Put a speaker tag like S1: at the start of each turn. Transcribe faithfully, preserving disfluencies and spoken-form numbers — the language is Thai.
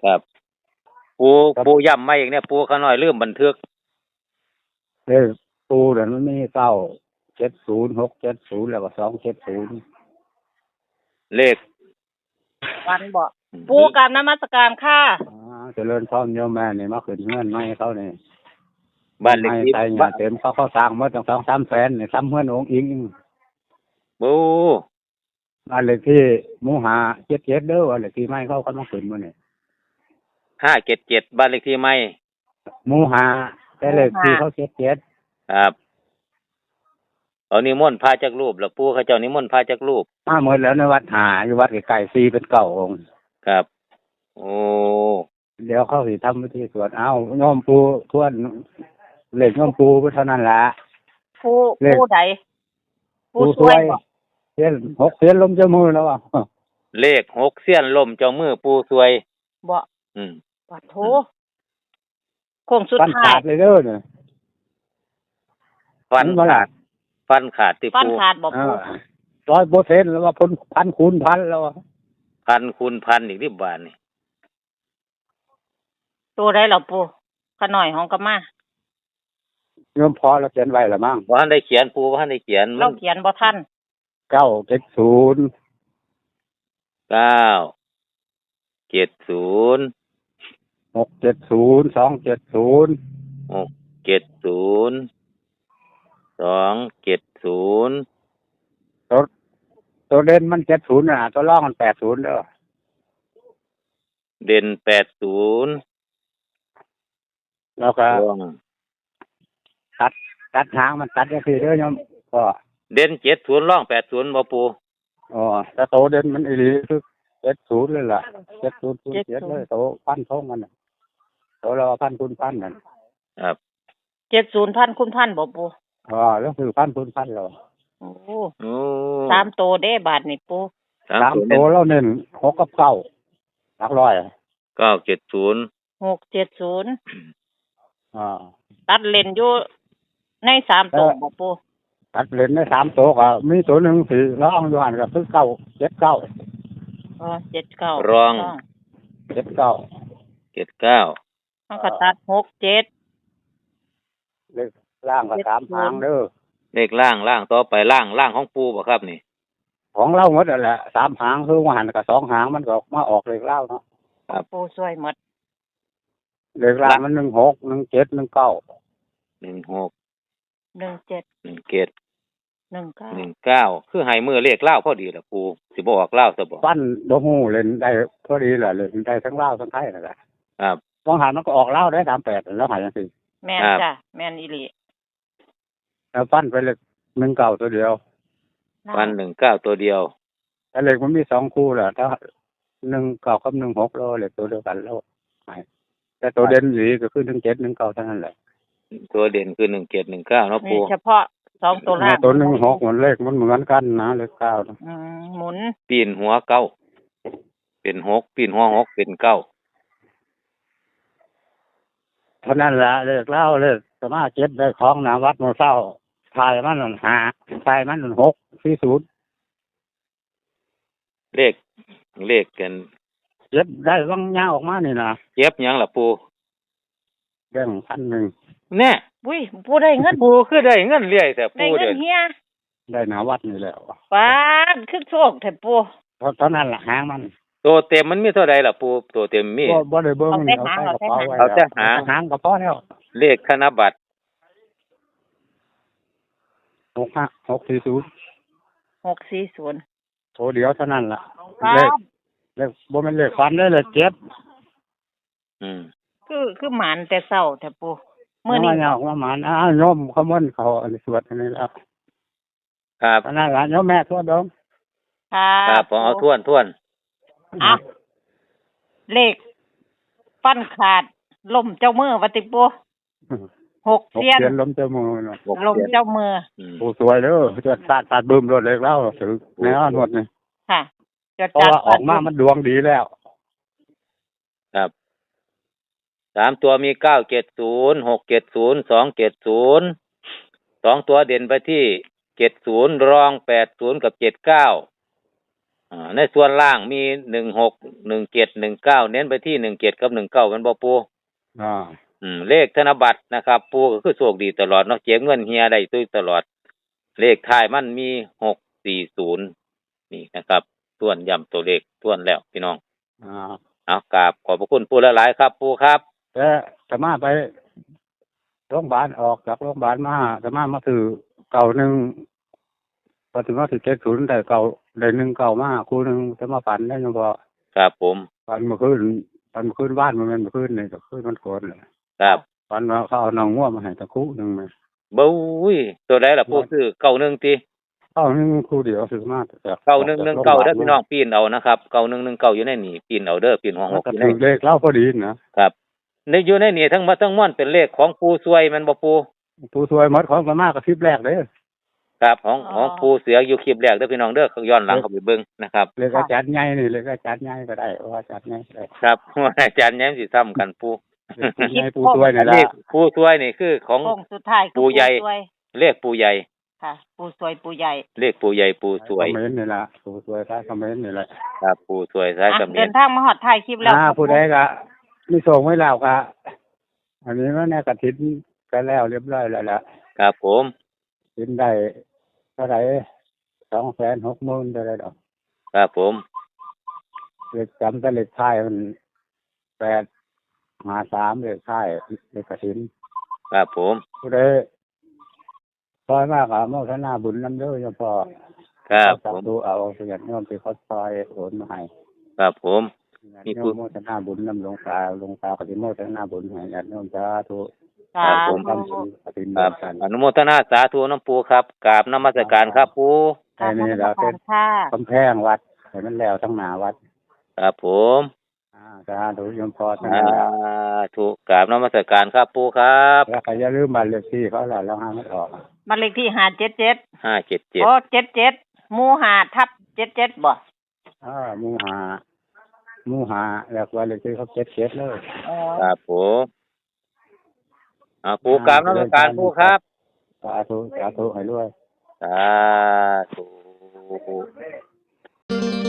S1: ครับปูปูย่ำมาอีกเนี่ยปูขาน้อยลืมบันทึก
S2: เลขปูเดี๋ยวมันมีเก้าเจ็ดศูนย์หกเจ็ดศูนย์แล้วก็สองเจ็ดศูนย์
S1: เลข
S3: วันบอกปูกับนมัสการค่ะ
S2: อ่าเจริญพรโยมแม่นี่มาขึ้นเงื่อนไม่เขานี่
S1: บ้านเลขที่
S2: ใส่เงินเต็มเขาเขาสร้างมาตั้งสองสามแสนนี่ซ้ำเงื่อนองค์อิง
S1: ปู
S2: บ้านเลขที่หมู่หาเจ็ดเจ็ดเด้อบ้านเลขที่ไม่เขาเขามาขึ้นมาเนี่ย
S1: ห้าเจ็ดเจ็ดบ้านเลขที่ไม่
S2: หมู่หาแต่เลขที่เขาเจ็ดเจ็ด
S1: ครับเอานิมนต์พาจากรูปแล้วปูเขาเจ้านิมนต์พาจากรูป
S2: มาหมดแล้วในวัดหาอยู่วัดไก่ซีเป็นเก่าองค์
S1: ครับโอ้
S2: เดี๋ยวเขาสิทำพิธีสวดเอาโยมปูทวนเลขโยมปูเท่านั้นละ
S3: ปูปูใด
S2: ปูสวยเสียนหกเสียนลมเจ้ามือแล้วอ่ะ
S1: เลขหกเสี้ยนลมเจ้ามือปูสวย
S3: บ่
S1: อืม
S3: ปัดโถโค้งสุดท้าย
S2: ฟันขาดเลยเด้อเนี่ย
S1: ฟันขาดฟันขาดติปู
S3: ฟันขาดบ่ปู
S2: ร้อยเปอร์เซ็นต์แล้วว่าพันพันคูณพันแล้ว
S1: พันคูณพันอีกที่บ้านนี่
S3: ตัวได้หรอปูขน่อยของกะมา
S2: โยมพอเราเขียนไว้ละมั้ง
S1: บ่ทันได้เขียนปูบ่ทันได้เขียน
S3: เราเขียนบ่ทัน
S2: เก้าเจ็ดศูนย์
S1: เก้าเจ็ดศูนย์
S2: หกเจ็ดศูนย์สองเจ็ดศูนย์
S1: หกเจ็ดศูนย์สองเจ็ดศูนย์
S2: ตัวตัวเด่นมันเจ็ดศูนย์น่ะตัวรองมันแปดศูนย์เด้อ
S1: เด่นแปดศูนย์
S2: แล้วก็ตัดตัดทางมันตัดก็คือเด้อโยมก็
S1: เด่นเจ็ดศูนย์ร่องแปดศูนย์บ่ปู
S2: อ๋อแต่โตเด่นมันอีหลีคือเจ็ดศูนย์เลยล่ะเจ็ดศูนย์ศูนย์เจ็ดเลยโตพันทงมันน่ะโตเราพันคูณพันนั่น
S1: ครับ
S3: เจ็ดศูนย์พันคูณพันบ่ปู
S2: อ๋อแล้วคือพันคูณพันเหรอ
S3: โอ้โอ้สามโตเด้บาทนี่ปู
S2: สามโตแล้วเน้นหกกับเก้าหลักร้อย
S1: เก้าเจ็ดศูนย์
S3: หกเจ็ดศูนย์
S2: อ่า
S3: ตัดเลนอยู่ในสามโตบ่ปู
S2: ตัดเลนในสามโตก็มีตัวหนึ่งสี่ร้องอยู่หันก็คือเก้าเจ็ดเก้า
S3: อ๋อเจ็ดเก้าร
S1: อง
S2: เจ็ดเก้า
S1: เจ็ดเก้า
S3: มันก็ตัดหกเจ็ด
S2: เลขล่างก็สามหางเด้อ
S1: เลขล่างล่างต่อไปล่างล่างของปูบ่ครับนี่
S2: ของเล่าหมดนั่นแหละสามหางคือว่าหันกับสองหางมันก็มาออกเลขเล่าเนาะ
S3: ครับปูช่วยหมด
S2: เลขล่างมันหนึ่งหกหนึ่งเจ็ดหนึ่งเก้า
S1: หนึ่งหก
S3: หนึ่งเจ็ด
S1: หนึ่งเจ็ด
S3: หนึ่งเก้า
S1: หนึ่งเก้าคือให้มือเลขเล่าพอดีล่ะปูสิบ่ออกเล่าซะบ่
S2: ปั้นโดฮูเล่นได้พอดีแหละเล่นได้ทั้งเล่าทั้งไทยนั่นแหละ
S1: ครับ
S2: บางหันมันก็ออกเล่าได้สามแปดแล้วหายจังซี่
S3: แม่นจ้ะแม่นอีหลี
S2: แล้วปั้นไปเลขหนึ่งเก้าตัวเดียว
S1: ปั้นหนึ่งเก้าตัวเดียว
S2: แต่เลขมันมีสองคู่แหละถ้าหนึ่งเก้ากับหนึ่งหกแล้วเลขตัวเดียวกันแล้วแต่ตัวเด่นอยู่ก็คือหนึ่งเจ็ดหนึ่งเก้าเท่านั้นแหละ
S1: ตัวเด่นคือหนึ่งเจ็ดหนึ่งเก้าเนาะปู
S3: เฉพาะสองตัวล่าง
S2: ตัวหนึ่งหกมันเลขมันเหมือนกันนะเลขเก้า
S3: อืมหมุน
S1: ปีนหัวเก้าเป็นหกปีนหัวหกเป็นเก้า
S2: เท่านั้นละเลขเล่าเลขสมาเจ็ดได้ของนะวัดโมเศร้าทายมันหนึ่งหาทายมันหนึ่งหกสี่ศูนย์
S1: เลขเลขกัน
S2: เจ็บได้ว่างยาออกมานี่นะ
S1: เจ็บยังล่ะปู
S2: แบ่งพันหนึ่ง
S1: เนี่ย
S3: อุ้ยปูได้เงิน
S1: ปูคือได้เงินเรื่อยแต่ปู
S3: ได้เงินเฮีย
S2: ได้หนาวัดนี่แล้ว
S3: ป้าคือโชคแต่ปู
S2: เท่านั้นละหางมัน
S1: ตัวเต็มมันมีเท่าใดล่ะปูตัวเต็มมี
S2: บ่บ่ได้เบิ่งเอาแต่หาง
S1: เอาแต่หาง
S2: หางก็พอแล้ว
S1: เลขธนบัตร
S2: หกห้าหกสี่ศูนย์
S3: หกสี่ศูนย์
S2: โถเดียวเท่านั้นล่ะเลขเลขบ่แม่นเลขฟันได้เลยเจ็บ
S1: อืม
S3: คือคือหมานแต่เช้าแต่ปู
S2: มื้อนี้ยอกว่าหมานอ้าโยมขมนเขาอันสวดอันนี้แล้ว
S1: ครับ
S2: อันนั้นล่ะโยมแม่ทวดดง
S1: ครับผมเอาทวนทวน
S3: อ่ะเลขฟันขาดล่มเจ้ามือว่าติปูหกเสี้ยน
S2: ล้มเจ้ามือ
S3: ล้มเจ้ามือ
S2: ปูสวยเด้อจดสาดสาดบึ้มรถเลยแล้วถือแนวหมดนี่
S3: ค่ะ
S2: จดจัดออกมามันดวงดีแล้ว
S1: ครับสามตัวมีเก้าเจ็ดศูนย์หกเจ็ดศูนย์สองเจ็ดศูนย์สองตัวเด่นไปที่เจ็ดศูนย์รองแปดศูนย์กับเจ็ดเก้าอ่าในส่วนล่างมีหนึ่งหกหนึ่งเจ็ดหนึ่งเก้าเน้นไปที่หนึ่งเจ็ดกับหนึ่งเก้ามันบ่ปู
S2: อ่า
S1: อืมเลขธนบัตรนะครับ ปูก็คือโชคดีตลอดเนาะเจ็บเงินเฮียได้ตุ้ยตลอด เลขท้ายมันมีหกสี่ศูนย์นี่นะครับทวนย้ำตัวเลขทวนแล้วพี่น้อง
S2: อ่า
S1: เอากราบขอบพระคุณปูหลายๆครับ ปูครับ
S2: แต่สามารถไปโรงพยาบาลออกจากโรงพยาบาลมาสามารถมาถือเก่าหนึ่งพอถึงว่าถือเจ็ดศูนย์แต่เก่าได้หนึ่งเก่ามาครูหนึ่งจะมาฝันได้ยังพอ
S1: ครับผม
S2: ฝันเมื่อคืนฝันเมื่อคืนบ้านมันเป็นเมื่อคืนนี่ก็คืนมันโกนเลย
S1: ครับ
S2: ฝันว่าเขาเอานองง่วมาให้ตะคุหนึ่งมา
S1: บู้ยตัวใดล่ะปูซื้อเก้าหนึ่งตี
S2: เข้าหนึ่งครูเดียวถือมาจาก
S1: เก้าหนึ่งหนึ่งเก้าเด้อพี่น้องปีนเอานะครับเก้าหนึ่งหนึ่งเก้าอยู่ในนี่ปีนเอาเด้อปีนหัวห
S2: แล้ว
S1: ก
S2: ก็
S1: อยู่ใน
S2: ถือเลขเล่าพอดีนะครับ
S1: ในอยู่ในนี่ทั้งหมดทั้งมวลเป็นเลขของปูซวยแมันบ่ปู
S2: ผู้ช่วยหมดของมามากับคลิปแรกเลย
S1: ครับของของปูเสืออยู่คลิปแรกเด้อพี่น้องเด้อย้อนหลังเข้าไปเบิ่งนะครับ
S2: เลขอาจารย์ใหญ่นี่เลขอาจารย์ใหญ่ก็ได้ว่าอาจารย์ใหญ่ก็ได้
S1: ครับ อาจารย์แย้มสิซ้ำกันปู
S2: เลขผู้ใหญ่ผู้ช่วยนี่
S1: อัน
S2: ละ
S1: นี้ปูซวยนี่คือของ
S3: โค้งสุดท้ายคือ
S1: ปู่ใหญ่
S3: สวย
S1: เลขปูใหญ่
S3: ค่ะ ปูสวยปูใหญ่
S1: เลขปูใหญ่ปูสวย
S2: คอมเมนต์นี่ละผู้ช่วยท้ายคอมเมนต์นี่แหละ
S1: ครับปูสวยซ้าย
S3: อ่ะ
S1: กับเมี
S3: เดิ
S1: ยน
S3: นทางมาหอดถ่ายคลิปแล้ว
S2: อ่าผู้ใดก็มีส่งไว้แล้วก็อันนี้ว่าเนี่ยกระถินกันแล้วเรียบร้อยแล้วล่ะ
S1: ครับผม
S2: ถินได้เท่าไหร่สองแสนหกหมื่นเท่าไหร่ดอก
S1: ครับผม
S2: เลขจำแต่เลขท้ายมันแปดหาสามเลขท้ายเลขกระถิน
S1: ครับผม
S2: ผู้ใดซอยมากอะโมทนาบุญน้ำเด้อยังพอ
S1: ครับผ
S2: สาม ธุเอาเสียงโยมที่เขาซอยโอนมาให้
S1: ครับผม มี
S2: โย
S1: ผู้
S2: มโมทนาบุญน้ำหลวงตาหลวงตาปฏิโมทนาบุญให้ญาติโยมสาธุ
S3: สา
S1: ผม
S3: ธุ
S2: ทำบุญปฏิโม
S1: ครับ
S2: ทกัน
S1: อนุโมทนาสาธุน้ำปูครับกราบนมัสการครับปู
S2: แค่นี้เราเป็น
S3: ค่ะ
S2: กำแพงวัดให้มันแล้วทั้งหนาวัด
S1: ครับผม
S2: อ่าสาธุโยมพอทั้ง
S1: สา
S2: นั้นแหละ
S1: ธุกราบนมัสการครับปูครับ
S2: แล้วก็อย่าลืมบัตรเลขที่เขาแหละแล้วห้ามไม่ออก
S3: บ้านเลขที่ห้าเจ็ดเจ็ด
S1: ห้าเจ็ดเจ็ด
S3: โอ้เจ็ดเจ็ดหมู่ห้าทับเจ็ดเจ็ดบ่
S2: อ่าหมูหาหมูหาแล้วก็เลขที่เขาเจ็ดเจ็ดเลย
S3: อ๋อ
S1: ครับผมอ่าปูกราบนมัสการปูครับ
S2: สาธุสาธุให้ด้วย
S1: สาธุ